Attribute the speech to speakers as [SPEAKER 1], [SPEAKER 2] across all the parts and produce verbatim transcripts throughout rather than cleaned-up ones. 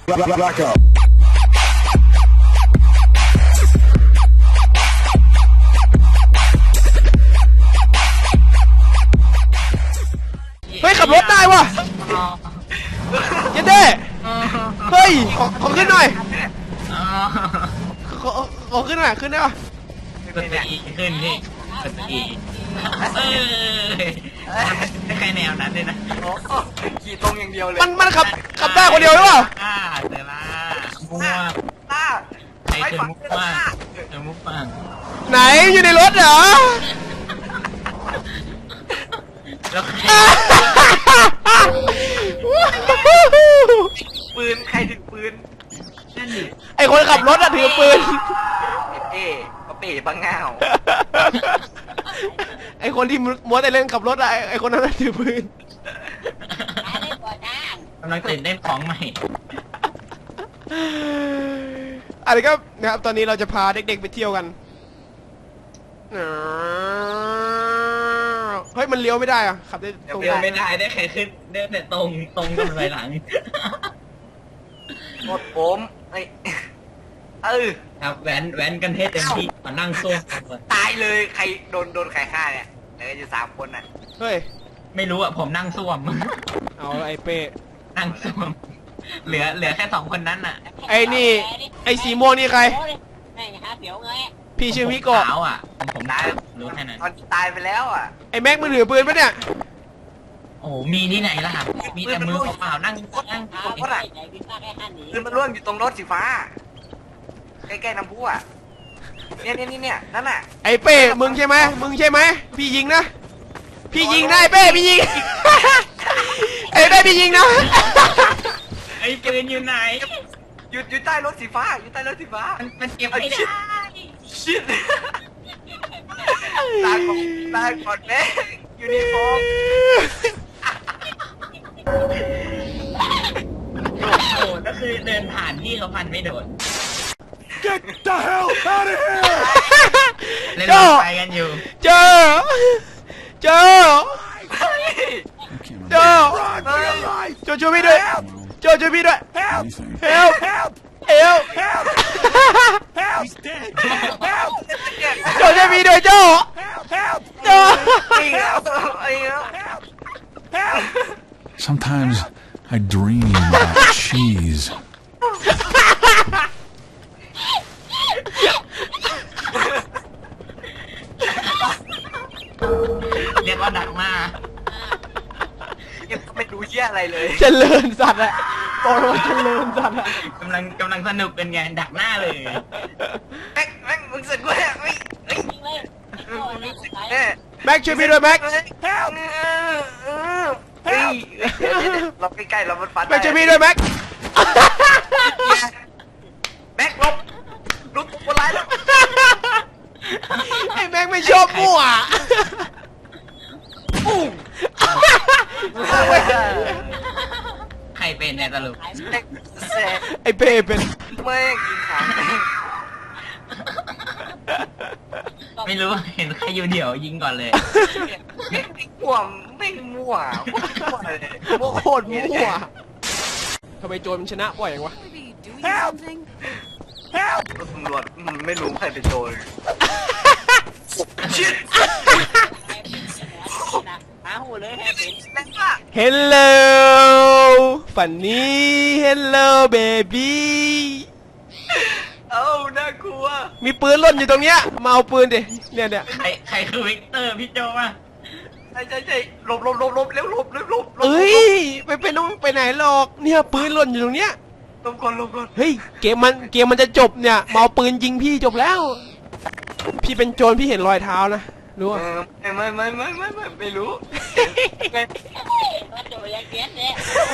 [SPEAKER 1] Back up.
[SPEAKER 2] เฮ้ยขับรถได้วะเย็นเด้เฮ้ยขอขอขึ้นหน่อยขอขอขึ้นหน่อยขึ้นได้ปะ
[SPEAKER 3] กดตัวอีขึ้นพี่กดตัวอีเออไม่ใครแนวนั้นเลยนะ
[SPEAKER 4] ขี่ตรงอย่างเดียวเลย
[SPEAKER 2] มันมันขับขับได้คนเดียวหรือเปล่า
[SPEAKER 3] อ่าเดี๋ยวละมั่ว
[SPEAKER 4] ต้า
[SPEAKER 3] ใครคือมุกบ้างเจอมุกบ้าง
[SPEAKER 2] ไหนอยู่ในรถเหรอ
[SPEAKER 3] แล้วใคร
[SPEAKER 4] ปืนใครถือปืน
[SPEAKER 3] นั่นดิ
[SPEAKER 2] ไอคนขับรถอะถือปืน
[SPEAKER 4] เอ๊ะก็เป๋บังเงา
[SPEAKER 2] ไอคนที่มัวแต่เล่นขับรถอะไอคนนั้นถือปืน
[SPEAKER 3] กำลังตื่นเต้นของใหม่
[SPEAKER 2] อะไรก็นะครับตอนนี้เราจะพาเด็กๆไปเที่ยวกันเฮ้ยมันเลี้ยวไม่ได้อะขับได้ตรง
[SPEAKER 3] เลี้ยวไม่ได้ได้แค่ขึ้นได้แต่ตรงตรงกันไปหลัง
[SPEAKER 4] หมดผมไอ้เออ
[SPEAKER 3] ครับแว้นแว้นกันเทศเต็มที่มานั่งซ่วม
[SPEAKER 4] ตายเลยใครโดนโดนใครฆ่าเนี่ยเหลืออยู่สามคนน่ะ
[SPEAKER 2] เฮ้ย
[SPEAKER 3] ไม่รู้อ่ะผมนั่งซ่วม
[SPEAKER 2] เอาไอ้เป้
[SPEAKER 3] นั่งซ่วมเหลือเหลือแค่สองคนนั้นน่ะ
[SPEAKER 2] ไอ้นี่ไอ้สีม่วงนี่ใครพี่ชื่อมิโกะ
[SPEAKER 3] ขาวอ่ะผมได้รู้แค่นั้น
[SPEAKER 4] ตอนตายไปแล้วอ่ะ
[SPEAKER 2] ไอ้แม็กมือถือปืนปะเนี่ย
[SPEAKER 3] โอ้มีที่ไหนล่ะมีแต่มือเปล่านั่งนั่ง
[SPEAKER 4] ตรงรถอ่ะปืนมันร่วงอยู่ตรงรถสีฟ้าใกล้ๆน้ำพุอ่ะเนี่ยเนี่ยนี่เนี่ยนั่นน่ะ
[SPEAKER 2] ไอ้เป้มึงใช่ไหมมึงใช่ไหมพี่ยิงนะพี่ยิงได้เป้พี่ยิงไอ้เป้พี่ยิงนะ
[SPEAKER 3] ไอ้ปืนอยู่ไหน
[SPEAKER 4] อยู่อยู่ใต้รถสีฟ้าอยู่ใต้รถสีฟ้า
[SPEAKER 3] มันเก็บไม่ได้
[SPEAKER 4] ชิดตาก่อนตาก่อนแม่ยูนิฟอร์ม
[SPEAKER 3] โดดก็คือเดินผ่านที่เขาพันไม่โดด
[SPEAKER 1] Get the hell out of here
[SPEAKER 3] เล่นรถไฟกันอยู่
[SPEAKER 2] เจอเจอเจอโจช่วยพี่ด้วยโจช่วยพี่ด้วย help help help help help help โจช่วยพี่ด้วยโจ help โจ
[SPEAKER 1] Sometimes I dream about cheese
[SPEAKER 3] เรียกว่าดักมา
[SPEAKER 4] ไม่รู้เชี่ยอะไรเลย
[SPEAKER 2] เจริญสัตว์อะโตมาเจริญสัตว์อะ
[SPEAKER 3] กำลังกำลังสนุกเป็นไงดักหน้าเลย
[SPEAKER 4] แม็กแม็กมึงเสร็จกูแล้วเฮ้ยเฮ้ย
[SPEAKER 2] แม็กช่วยพี่ด้วยแม็ก
[SPEAKER 4] เฮ้ยเราใกล้ๆเรามันฟัน
[SPEAKER 2] แม็กช่วยพี่ด้วยแม็ก
[SPEAKER 4] แม็กลบลุกคนร้ายแล้ว
[SPEAKER 2] ไอ้แม็กไม่ชอบมั่ว
[SPEAKER 3] ใครเป็นเนี่ยสรุป
[SPEAKER 2] ไอ้เป้เป็น
[SPEAKER 4] แม่งยิงขา
[SPEAKER 3] ไม่รู้เห็นใครอยู่เดี่ยวยิงก่อนเลย
[SPEAKER 4] มั่วไม่มั่วมั่ว
[SPEAKER 2] โคตรมั่วทำไมโจรมันชนะบ่อยอย่างวะ Help
[SPEAKER 4] Help ตำรวจมันไม่รู้ใครเป็นโจรชิด
[SPEAKER 2] Hello ฝันนี้ Hello baby
[SPEAKER 4] เอ้าน่ากลัว
[SPEAKER 2] มีปืนหล่นอยู่ตรงเนี้ยมาเอาปืนดิเนี่ยเนี่ย
[SPEAKER 3] ใครใครคือวิกเตอร์พี่โจวะ
[SPEAKER 4] ใช่ใช่ใช่หลบหลบหลบหลบเร็วหลบเร็วหลบ
[SPEAKER 2] เอ้ยไปไปน้องไปไหนหรอกเนี่ยปืนหล่นอยู่ตรงเนี้ย
[SPEAKER 4] หลบก่อนหลบก่อน
[SPEAKER 2] เฮ้ยเกมมันเกมมันจะจบเนี่ยมาเอาปืนยิงพี่จบแล้วพี่เป็นโจรพี่เห็นรอยเท้านะรู้ป่ะ
[SPEAKER 4] ไม่ไม่ไม่ไม่ไม่ไม่ไม่รู้
[SPEAKER 5] โจยังเก็ตเนี่ย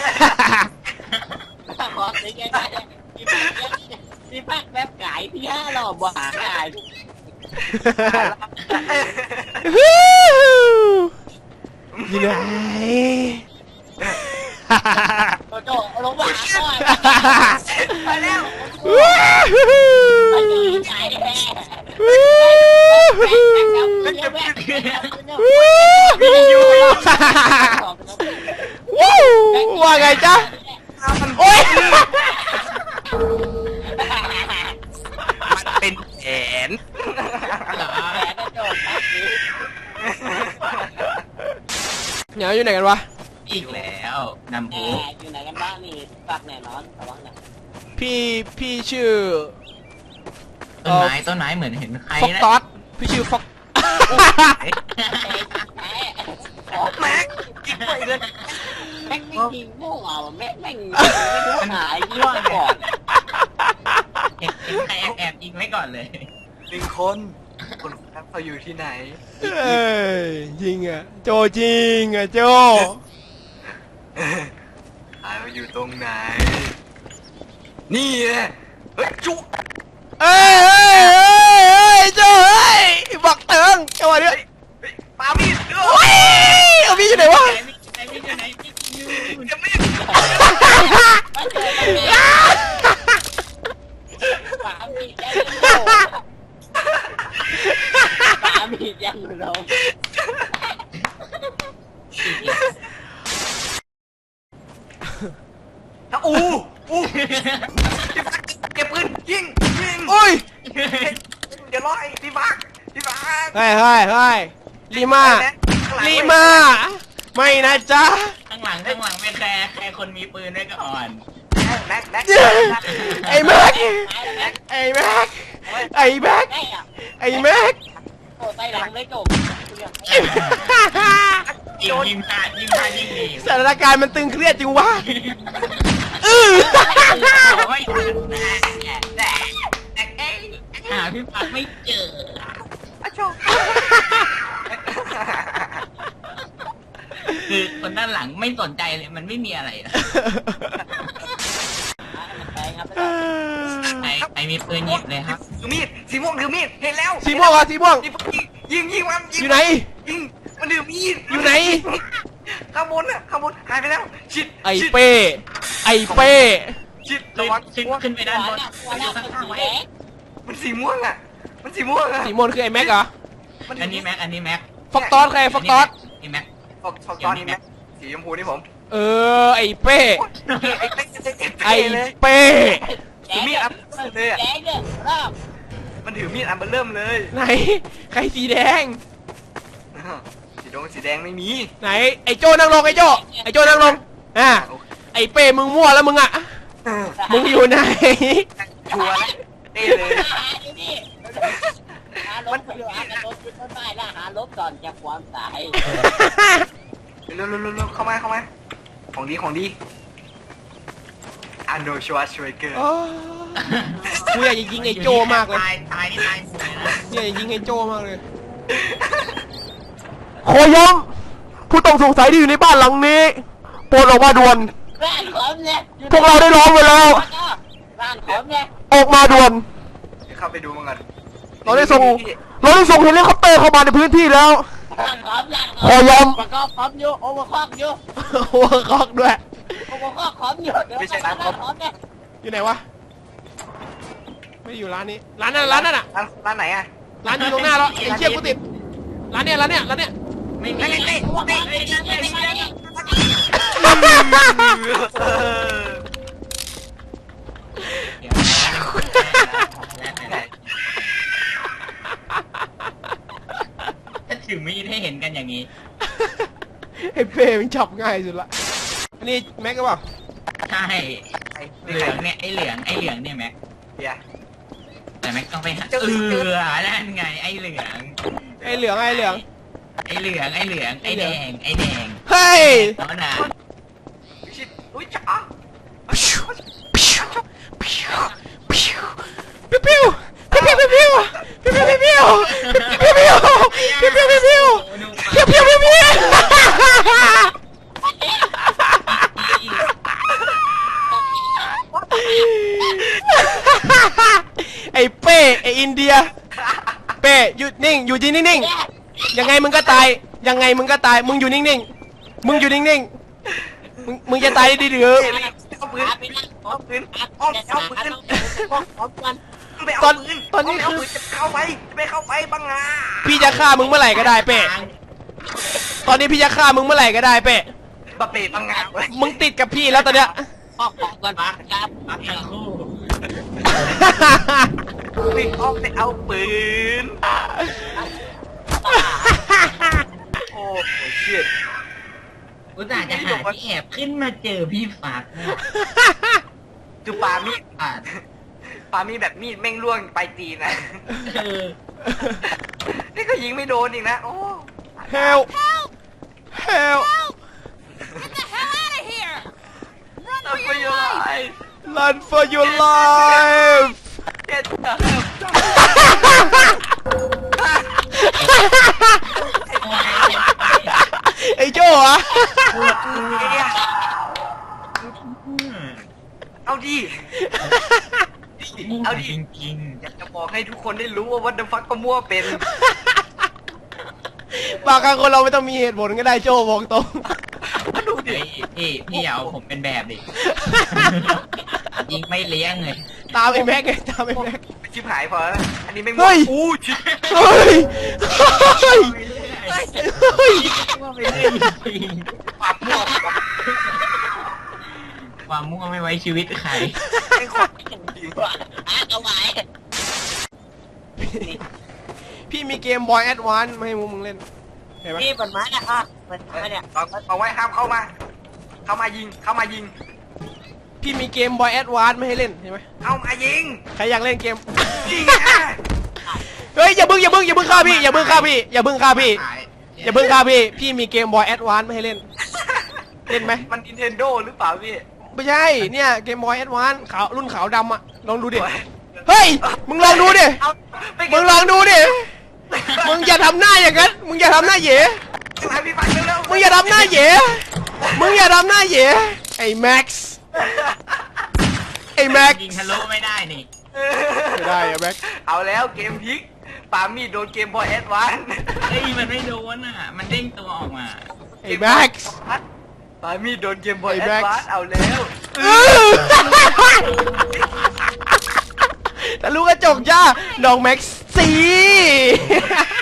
[SPEAKER 5] ขอซื้อแกได้ที่พักแบบไก่พี่ห้าหล่อบ่หาไก่
[SPEAKER 2] อยู่ไหน
[SPEAKER 5] โจลงมาไปแล้วไปไก่แท้
[SPEAKER 2] ว่าไงจ๊ะโอ๊ยเหนียวอยู่ไหนกันวะ
[SPEAKER 3] อีกแล้วนำ
[SPEAKER 5] แห
[SPEAKER 3] ผู้
[SPEAKER 5] มอยู่ไหนกันบ้างนี่ฝากแน่นอนระวังนะ
[SPEAKER 2] พี่พี่ชื่อ
[SPEAKER 3] ต้นไม้ต้นไม้เหมือนเห็นใคร
[SPEAKER 2] ฟอก
[SPEAKER 3] นะ
[SPEAKER 2] ตอสพี่ชื่อฟอก
[SPEAKER 4] แม็กกินไปเลย
[SPEAKER 5] แม่งไม่ยิงโม่เอาแม่งแม่งไม่รู้หายยี่ห้อก่อน
[SPEAKER 3] เห็นเห็นใครแอบแอบยิงไว้ก่อนเลย
[SPEAKER 4] หนึ่งคนคนนั้นเขาอยู่ที่ไหน
[SPEAKER 2] เอ้ยจริงอ่ะโจจริงอ่ะโจ
[SPEAKER 4] หายอยู่ตรงไหน นี่ไงเฮ้ยจุ
[SPEAKER 2] เอ้ยเอ้ยเอ้ยเอ้ยโจเอ้ยบักเติงจังหวะนี้
[SPEAKER 4] เฮ้ยเฮ้ยปามีดเออ
[SPEAKER 2] โอ้ยเอาพี่อยู่ไหนวะ
[SPEAKER 3] ไหนมีไหนมีอยู่ไหนมีอยู่
[SPEAKER 4] จะมีด
[SPEAKER 5] มาเจอกันเลยปามีดยังโง่ปามีดยังโง่
[SPEAKER 4] นะอูอูเก็บปืนยิงยิง
[SPEAKER 2] โอ้ย
[SPEAKER 4] เดี๋ยวรอไอ้พี่บักพี่บัก
[SPEAKER 2] เฮ้ยเฮ้ยเฮ้ยลีมาลีมาไม่นะจ๊ะ
[SPEAKER 3] ข้างหลังข้างหลังไม่แคร์ใครคนมีปืนด้วยก็อ่อน
[SPEAKER 4] แม็กแม็ก
[SPEAKER 2] ไอ้แม็กไอ้แม็กไอ้แม็ก
[SPEAKER 5] ไอ้อะ
[SPEAKER 2] ไอ้แม็ก
[SPEAKER 5] โอ้ใต้หลังเลยจบ
[SPEAKER 3] ยิงยิงพลาดยิงพลาดยิงหนี
[SPEAKER 2] สถานการณ์มันตึงเครียดจริงวะอือ
[SPEAKER 3] โอ้ยหาพี่ปักไม่เจอ คือคนด้านหลังไม่สนใจเลยมันไม่มีอะไรนะใครใครมีปืนหยิบเลยครับ
[SPEAKER 4] ถือมีดสีม่วงถือมีดเห็นแล้ว
[SPEAKER 2] สีม่วงอ่ะสีม่วง
[SPEAKER 4] ยิงยิงมันยิง
[SPEAKER 2] อยู่ไหน
[SPEAKER 4] ยิงมันถือมีด
[SPEAKER 2] อยู่ไหน
[SPEAKER 4] ข้างบนน่ะข้างบนหายไปแล้วชิด
[SPEAKER 2] ไอ้เป้ไอ้เป้
[SPEAKER 4] ชิด
[SPEAKER 3] ขึ้
[SPEAKER 4] ระ
[SPEAKER 3] น
[SPEAKER 4] วัง
[SPEAKER 3] ขึ้นขึ้นไปด้านบน
[SPEAKER 5] หัวหน้าเป็นสีแดง
[SPEAKER 4] มันสีม่วงอ่ะมันสีม่วงอ่ะ
[SPEAKER 2] สีม่วงคือไอ้แม็กเหรอ
[SPEAKER 4] มัน
[SPEAKER 3] อันนี้แม็กอันนี้แม็ก
[SPEAKER 2] ฟอกตอสใครฟอกตอส
[SPEAKER 3] นี่แม็ก
[SPEAKER 4] ฟอกฟอกตอนนี้แม็กสีชมพูนี่ผม
[SPEAKER 2] เออไอ้เป้
[SPEAKER 4] ไอ้เป๊กไอ้
[SPEAKER 2] ไอ้
[SPEAKER 4] เลย
[SPEAKER 2] เป้
[SPEAKER 4] ถือมีดอัพเลยอ่ะ
[SPEAKER 5] แดงเนี่ยรอบ
[SPEAKER 4] มันถือมีดอันเบอร์เริ่มเลย
[SPEAKER 2] ไหนใครสีแดง
[SPEAKER 4] สีดงสีแดงไม่มี
[SPEAKER 2] ไหนไอ้โจนั่งลงไอ้โจไอ้โจนั่งลงอ่ะไอ้เป้มึงมั่วแล้วมึงอ่ะมึงอยู่ไหน
[SPEAKER 4] ชัวร์แล้วเต้เลย
[SPEAKER 5] หาอยู่นี่หาลบอยู่หากระโดดขึ้นต้นไม้แล้วหาลบก่อนจะความตาย
[SPEAKER 4] เร็วเร็วเร็วเข้ามาเข้ามาของดีของดีอันโดชัวร์ช่วยเกิน
[SPEAKER 2] โอ้กูอยากจะยิงไอ้โจมากเลย
[SPEAKER 3] ตายตายนี่ตายสวยนะ
[SPEAKER 2] อยากจะยิงไอ้โจมากเลยขอย้ำผู้ต้องสงสัยที่อยู่ในบ้านหลังนี้โปรดออกมาด่วน
[SPEAKER 5] บ้านผมเนี่ย
[SPEAKER 2] พวกเราได้ร้องไปแล้ว
[SPEAKER 5] บ้านผมเนี่ย
[SPEAKER 2] ออกมาด่วน
[SPEAKER 4] เดี๋ยวเข้าไปดูมันก่อน
[SPEAKER 2] เราได้ส่งเราได้ส่งเฮลิคอปเตอร์เข้ามาในพื้นที่แล้ว
[SPEAKER 5] บ้านผมเนี่ย
[SPEAKER 2] ขอย้
[SPEAKER 5] ประกอบพร้อมอยู่โอเวอร์คอกอยู่
[SPEAKER 2] ำหัวคอกด้วย
[SPEAKER 5] โอเวอร์คอกพร้อมอยู่เดี๋ยวบ้านผมเนี่ย
[SPEAKER 2] อยู่ไหนวะไม่ได้อยู่ร้านนี้ร้านนั้นร้านนั้นอ่ะ
[SPEAKER 4] ร้านร้านไหนอ่ะ
[SPEAKER 2] ร้านอยู่ตรงหน้าแล้วไอ้เชี่ยกูติดร้านเนี้ยร้านเนี้ยร้านเนี้ย
[SPEAKER 3] ไม่มี
[SPEAKER 4] เต้เต้
[SPEAKER 5] โอเวอร์ค
[SPEAKER 3] เฮ้
[SPEAKER 5] อย ก
[SPEAKER 3] เฮ้ย
[SPEAKER 5] ไม่
[SPEAKER 3] เฮ้ย
[SPEAKER 5] ได้
[SPEAKER 3] เฮ้ย เดี๋ยวถ้าถือมีดให้เห็นกันอย่างนี้
[SPEAKER 2] ไอ้เป้มันจับง่ายสุดละอันนี้แม็กก็เปล่า
[SPEAKER 3] ใช่เหลืองเนี่ยไอเหลืองไอเหลืองเนี่ยแม็ก
[SPEAKER 4] เดี๋ยว
[SPEAKER 3] แต่แม็กต้องไปหาเออนั่นไงไอเหลือง
[SPEAKER 2] ไอ้เหลืองไอ้เหลือง
[SPEAKER 3] ไอเหลืองไอเหลืองไอแดงไอแดง
[SPEAKER 2] เฮ้ย
[SPEAKER 3] ตอนน่ะ
[SPEAKER 4] ชิดอุ้ยจ๋า
[SPEAKER 2] ปิ้วปิ้วปิ้วปิ้วปิ้วปิ้วปิ้วปิ้วปิ้วปิ้วปิ้วปิ้วปิ้วปิ้วปิ้วปิ้วปิ้วปิ้วปิ้วไอ้เป้ไอ้อินเดียเป้หยุดนิ่งอยู่ที่นิ่งๆยังไงมึงก็ตายยังไงมึงก็ตายมึงอยู่นิ่งๆมึงอยู่นิ่งๆมึงมึงจะตายดีหรือ
[SPEAKER 4] เอาปืน
[SPEAKER 5] ไปนั่ง
[SPEAKER 4] เอาปืนเอาเอาปืน
[SPEAKER 5] พร้อมกัน
[SPEAKER 4] ไปเอาปืนเอาปืนจะเข้าไปจะไปเข้าไปบังงา
[SPEAKER 2] พี่จะฆ่ามึงเมื่อไหร่ก็ได้เป้ตอนนี้พี่จะฆ่ามึงเมื่อไหร่ก็ได้เป้
[SPEAKER 4] บะเป๋บังงาเลย
[SPEAKER 2] มึงติดกับพี่แล้วตอนเนี้ย
[SPEAKER 5] ออกของกันครับ
[SPEAKER 3] ปักทั้งคู่
[SPEAKER 4] ไปเอาไปเอาปืนโอ้โหชิต
[SPEAKER 3] อุตส่าห์จะหาที่แอบขึ้นมาเจอพี่ฟัก
[SPEAKER 4] คือปามีด
[SPEAKER 3] อ่ะ
[SPEAKER 4] ปามีดแบบมีดแม่งล่วงไปตีนนะ
[SPEAKER 3] เออ
[SPEAKER 4] นี่ก็ยิงไม่โดนอีกนะโอ้
[SPEAKER 2] help help
[SPEAKER 4] Run for your life
[SPEAKER 2] run for your life
[SPEAKER 4] Get the
[SPEAKER 2] ไอ้โจ้เหรอ
[SPEAKER 4] เอาดิ
[SPEAKER 3] เอาดิจริง
[SPEAKER 4] อยากจะบอกให้ทุกคนได้รู้ว่าวัดเดฟักก็มั่วเป็น
[SPEAKER 2] บางครั้งคนเราไม่ต้องมีเหตุผลก็ได้โจ้บอกตรง
[SPEAKER 4] ดู
[SPEAKER 3] ๆ
[SPEAKER 4] ดิ
[SPEAKER 3] เฮ้ยพี่พี่อย่าเอาผมเป็นแบบดิยิงไม่เลี้ยงเลย
[SPEAKER 2] ตามไอ้แม็กไงตามไอ้แม็ก
[SPEAKER 4] ชิบหายพอแล้วอันนี้ไม่
[SPEAKER 2] เฮ้
[SPEAKER 4] มั่วย อู้ชิบ
[SPEAKER 2] เฮ้ยเฮ้ยเฮ้ย
[SPEAKER 3] ว่าไปเรื่อยจริง
[SPEAKER 4] ความมั่ว
[SPEAKER 3] ความมั่วไม่ไว้ชีวิตใคร
[SPEAKER 4] ไม่ขอบจริง
[SPEAKER 5] อ่ะเอาไว้
[SPEAKER 2] พี่มีเกมบอยแอดวานซ์มาให้มึงเล่นเห็นไหม
[SPEAKER 5] นี่มันมาเนี่ยอ่ะมันมาเนี่ย
[SPEAKER 4] เอาเอาไว้ห้ามเข้ามา เข้ามายิง เข้ามายิง
[SPEAKER 2] พี่มีเกมบอยแอดวานซ์ไม่ให้เล่นเห็นไหม
[SPEAKER 4] เอามายิง
[SPEAKER 2] ใครอยากเล่นเกม
[SPEAKER 4] ยิงอ่ะ
[SPEAKER 2] เฮ้ยอย่าเพิ่งอย่าเพิ่งอย่าเพิ่งฆ่าพี่อย่าเพิ่งฆ่าพี่อย่าเพิ่งฆ่าพี่อย่าเพิ่งฆ่าพี่พี่มีเกมบอยแอดวานซ์ไม่ให้เล่นเล่นไหม
[SPEAKER 4] มัน Nintendo หรือเปล่าพี่
[SPEAKER 2] ไม่ใช่เนี่ยเกมบอยแอดวานซ์ขาวรุ่นขาวดำอะลองดูดิเฮ้ยมึงลองดูดิ
[SPEAKER 4] เอาไป
[SPEAKER 2] มึงลองดูดิมึงอย่าทำหน้าอย่างนั้นมึงอย่าทำหน้าเหย่
[SPEAKER 4] ให้พี่ฟังเร็วๆ
[SPEAKER 2] มึงอย่าทำหน้าเหย่มึงอย่าทำหน้าเหย่ไอ้แม็กซ์ไอ้แม็กซ์
[SPEAKER 3] ยิงทะลุไม่ได้นี่
[SPEAKER 2] ไม่ได้อะแม็กซ์
[SPEAKER 4] เอาแล้วเกมพลิกปามีดโดนเกมบอยแอดวานซ์
[SPEAKER 3] เฮ้ยมันไม่โดนอ่ะ มันเด้งตัวออกมา
[SPEAKER 2] ไอ้แม็กซ์
[SPEAKER 4] ปามีดโดนเกมบอย
[SPEAKER 2] ไอ้
[SPEAKER 4] แอ
[SPEAKER 2] แม็
[SPEAKER 4] ด
[SPEAKER 2] กซ์
[SPEAKER 4] วานซ์เอาแล้ว
[SPEAKER 2] แต่ลูกกระจกจ้าน้องแม็กซ์สี